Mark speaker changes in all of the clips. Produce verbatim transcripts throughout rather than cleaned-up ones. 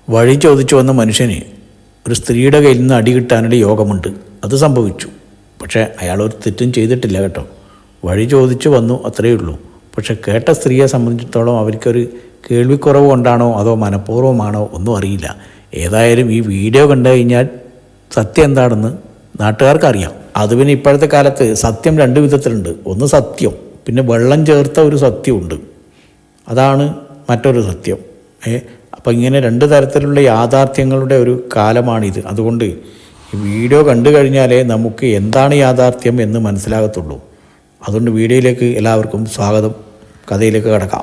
Speaker 1: വഴി ചോദിച്ചു വന്ന മനുഷ്യന് ഒരു സ്ത്രീയുടെ കയ്യിൽ നിന്ന് അടി കിട്ടാനുള്ള യോഗമുണ്ട്. അത് സംഭവിച്ചു. പക്ഷേ അയാളൊരു തെറ്റും ചെയ്തിട്ടില്ല കേട്ടോ. വഴി ചോദിച്ചു വന്നു, അത്രയേ ഉള്ളൂ. പക്ഷെ കേട്ട സ്ത്രീയെ സംബന്ധിച്ചിടത്തോളം അവർക്കൊരു കേൾവിക്കുറവ് കൊണ്ടാണോ അതോ മനഃപൂർവ്വമാണോ ഒന്നും അറിയില്ല. ഏതായാലും ഈ വീഡിയോ കണ്ടു കഴിഞ്ഞാൽ സത്യം എന്താണെന്ന് നാട്ടുകാർക്കറിയാം. അത് പിന്നെ ഇപ്പോഴത്തെ കാലത്ത് സത്യം രണ്ട് വിധത്തിലുണ്ട്. ഒന്ന് സത്യം, പിന്നെ വെള്ളം ചേർത്ത ഒരു സത്യമുണ്ട്. അതാണ് മറ്റൊരു സത്യം. ഏ അപ്പം ഇങ്ങനെ രണ്ട് തരത്തിലുള്ള യാഥാർത്ഥ്യങ്ങളുടെ ഒരു കാലമാണിത്. അതുകൊണ്ട് ഈ വീഡിയോ കണ്ടു കഴിഞ്ഞാലേ നമുക്ക് എന്താണ് യാഥാർത്ഥ്യം എന്ന് മനസ്സിലാകത്തുള്ളൂ. അതുകൊണ്ട് വീഡിയോയിലേക്ക് എല്ലാവർക്കും സ്വാഗതം. കഥയിലേക്ക് കടക്കാം.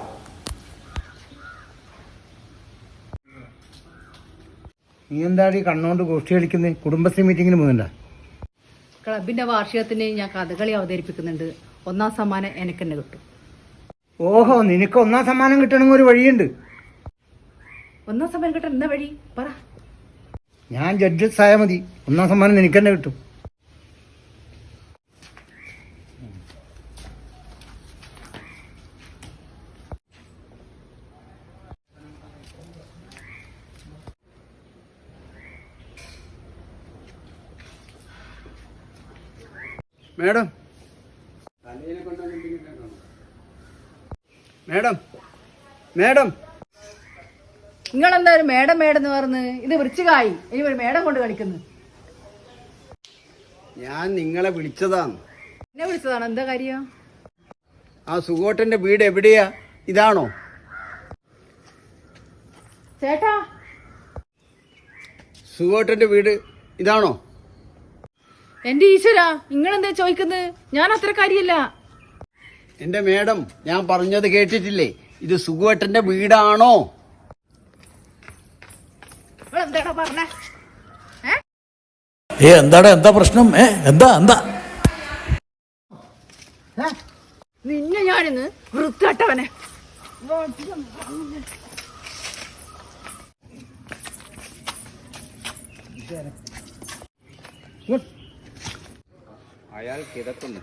Speaker 2: നീ എന്താടി കണ്ണോണ്ട് ഗോഷ്ഠി കളിക്കുന്നത്? കുടുംബശ്രീ മീറ്റിങ്ങിന് പോകുന്നുണ്ടോ?
Speaker 3: ക്ലബിന്റെ വാർഷികത്തിന് ഞാൻ കഥകളി അവതരിപ്പിക്കുന്നുണ്ട്. ഒന്നാം സമ്മാനം എനിക്ക് തന്നെ കിട്ടും.
Speaker 2: ഓഹോ, നിനക്ക് ഒന്നാം സമ്മാനം കിട്ടണമെങ്കിൽ ഒരു വഴിയുണ്ട്.
Speaker 3: ഒന്നാം സമ്മാനം കിട്ടാൻ എന്താ വഴി പറ.
Speaker 2: ഞാൻ ജഡ്ജസ് ആയാൽ മതി, ഒന്നാം സമ്മാനം നിനക്ക് തന്നെ കിട്ടും.
Speaker 4: മേഡം മേഡം മേഡം
Speaker 3: നിങ്ങളെന്തായാലും മേഡം മേഡം എന്ന് പറഞ്ഞ് ഇത് വൃശ്ചികമായി. ഇനി ഒരു മേഡം കൊണ്ട് കളിക്കുന്നു.
Speaker 4: ഞാൻ നിങ്ങളെ വിളിച്ചതാണ്.
Speaker 3: എന്നെ വിളിച്ചതാണ്. എന്താ കാര്യം?
Speaker 4: ആ സുഗോട്ടന്റെ വീട് എവിടെയാ? ഇതാണോ?
Speaker 3: ചേട്ടാ,
Speaker 4: സുഗോട്ടന്റെ വീട് ഇതാണോ?
Speaker 3: എന്റെ ഈശ്വര, നിങ്ങളെന്താ ചോദിക്കുന്നത്? ഞാൻ അത്ര കാര്യല്ല.
Speaker 4: എന്റെ മേഡം, ഞാൻ പറഞ്ഞത് കേട്ടിട്ടില്ലേ? ഇത് സുഗോട്ടന്റെ വീടാണോ?
Speaker 3: എന്താടാ പറഞ്ഞേ?
Speaker 1: ഏ എന്താടാ, എന്താ പ്രശ്നം? ഏ എന്താ എന്താ
Speaker 3: നിന്നെ ഞാനിന്ന് വൃത്തികെട്ടവനെ.
Speaker 4: അയാൾ കിടക്കുന്നു.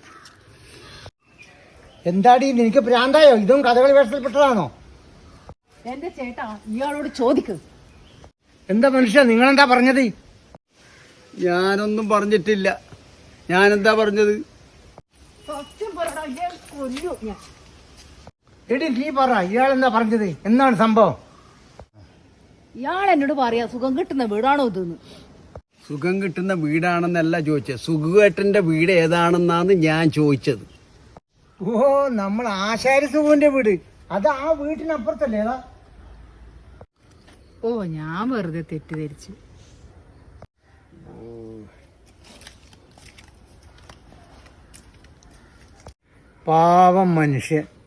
Speaker 2: എന്താടി നിനക്ക് ഭ്രാന്തായോ? ഇതും കഥകളി വേഷത്തിൽപ്പെട്ടതാണോ?
Speaker 3: എന്റെ ചേട്ടാ, ഇയാളോട് ചോദിക്ക്.
Speaker 2: എന്താ മനുഷ്യ, നിങ്ങളെന്താ പറഞ്ഞത്?
Speaker 4: ഞാനൊന്നും പറഞ്ഞിട്ടില്ല. ഞാനെന്താ പറഞ്ഞത്?
Speaker 3: സത്യം പറയടാ, ഇയാൾ കൊല്ലു ഞാൻ.
Speaker 2: എടി നീ പറ, ഇയാളെന്താ പറഞ്ഞത്? എന്താണ് സംഭവം?
Speaker 3: ഇയാൾ എന്നോട് പറയാ സുഖം കിട്ടുന്ന വീടാണോ ഇതെന്ന്.
Speaker 4: സുഖം കിട്ടുന്ന വീടാണെന്നല്ല ചോദിച്ചത്, സുഖേട്ടന്റെ വീട് ഏതാണെന്നാണ് ഞാൻ ചോദിച്ചത്.
Speaker 2: ഓ, നമ്മൾ ആശാരി സുഖുവിന്റെ വീട്. അത് ആ വീട്ടിനപ്പുറത്തല്ലേ? ഏതാ?
Speaker 3: ഓ, ഞാൻ വെറുതെ തെറ്റിദ്ധരിച്ചു.
Speaker 2: പാവം മനുഷ്യൻ.